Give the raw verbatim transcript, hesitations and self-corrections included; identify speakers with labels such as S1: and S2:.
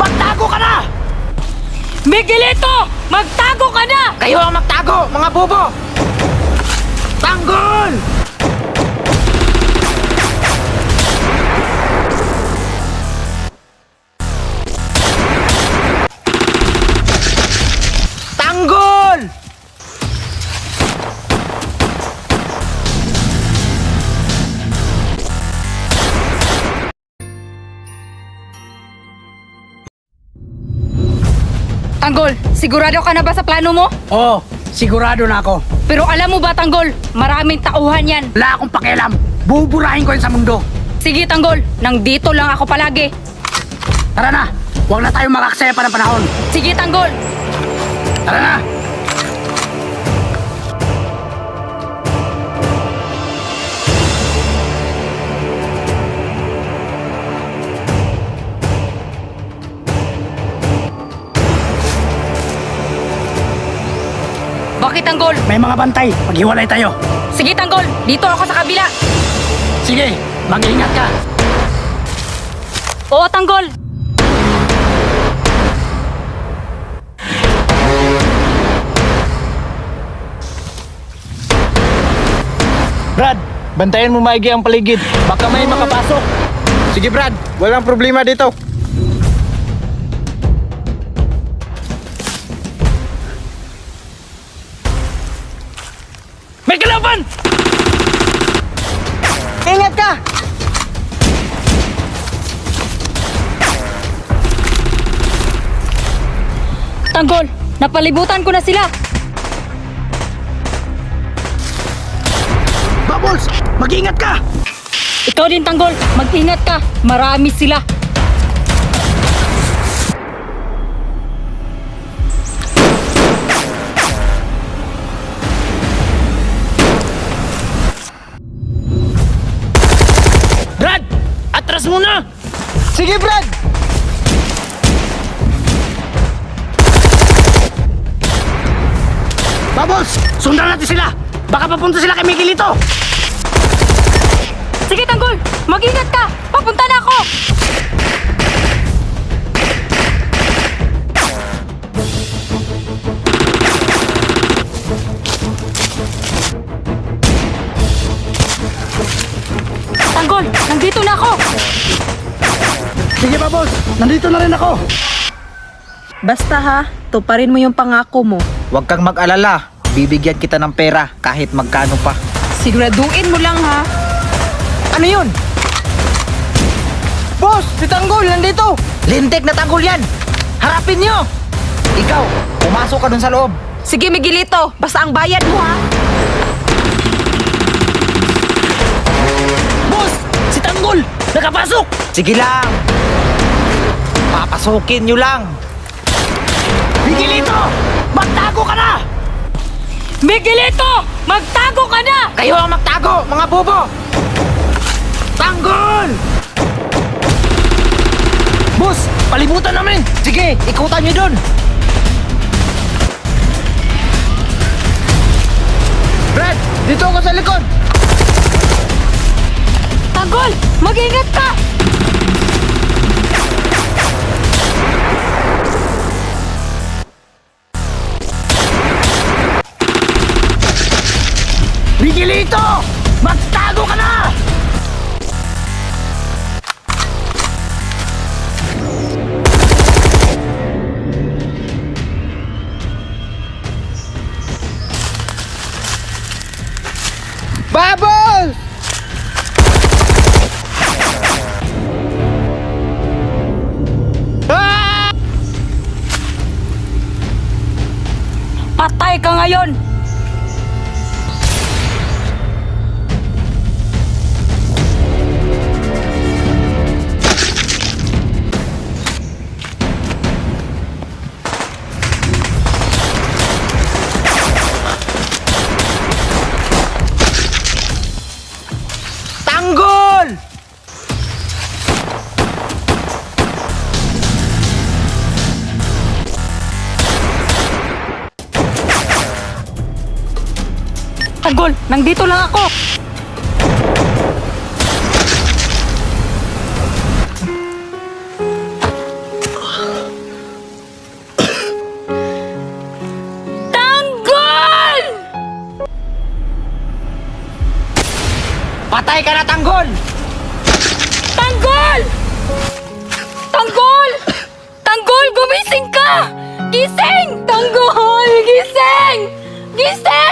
S1: magtago ka na!
S2: Miguelito! Magtago ka na!
S1: Kayo ang magtago, mga bobo! Tanggol! Tanggol!
S2: Tanggol, sigurado ka na ba sa plano mo?
S1: Oo, sigurado na ako.
S2: Pero alam mo ba, Tanggol, maraming tauhan yan.
S1: Wala akong pakialam. Buburahin ko yan sa mundo.
S2: Sige, Tanggol, nandito lang ako palagi.
S1: Tara na, huwag na tayong makaksaya pa ng panahon.
S2: Sige, Tanggol.
S1: Tara na!
S2: Bakit, Tanggol?
S1: May mga bantay, maghiwalay tayo.
S2: Sige, Tanggol, dito ako sa kabila.
S1: Sige, mag-ingat ka.
S2: Oo, Tanggol.
S3: Brad, bantayan mo maigi ang paligid. Baka may makapasok.
S4: Sige Brad, walang problema dito.
S1: May kalaban!
S4: Ingat ka!
S2: Tanggol, napalibutan ko na sila.
S1: Bubbles, mag-ingat ka!
S2: Ikaw din, Tanggol, mag-ingat ka. Marami sila.
S1: Brad, atras muna!
S4: Sige Brad!
S1: Bubbles, sundan natin sila! Baka papunta sila kay Miguelito!
S2: Sige, Tanggol, mag-ingat ka. Papunta na ako. Tanggol, nandito na ako.
S1: Sige Bubbles, nandito na rin ako!
S5: Basta ha, tuparin mo yung pangako mo.
S4: Huwag kang mag-alala. Bibigyan kita ng pera kahit magkano pa.
S5: Siguraduhin mo lang ha.
S4: Ano yun? Boss, si Tanggol nandito! Lintik na Tanggol yan! Harapin nyo! Ikaw, pumasok ka dun sa loob.
S5: Sige Miguelito, basta ang bayad mo ha.
S1: Boss, si Tanggol, nakapasok!
S4: Sige lang. Papasukin nyo lang.
S1: Miguelito, magtago ka na!
S2: Miguelito, magtago ka na.
S1: Kayo ang magtago, mga bobo! Tanggol! Boss, palibutan namin!
S4: Sige, ikutan nyo dun. Brad, dito ako sa likod.
S2: Tanggol, mag-ingat ka.
S1: Miguelito, magtago ka na!
S4: Bubbles!
S1: Ah!
S2: Patay ka ngayon.
S1: Tanggol!
S2: Tanggol, nandito lang ako.
S4: Patay ka na, Tanggol!
S2: Tanggol! Tanggol! Tanggol, gumising ka! Gising! Tanggol, gising! Gising!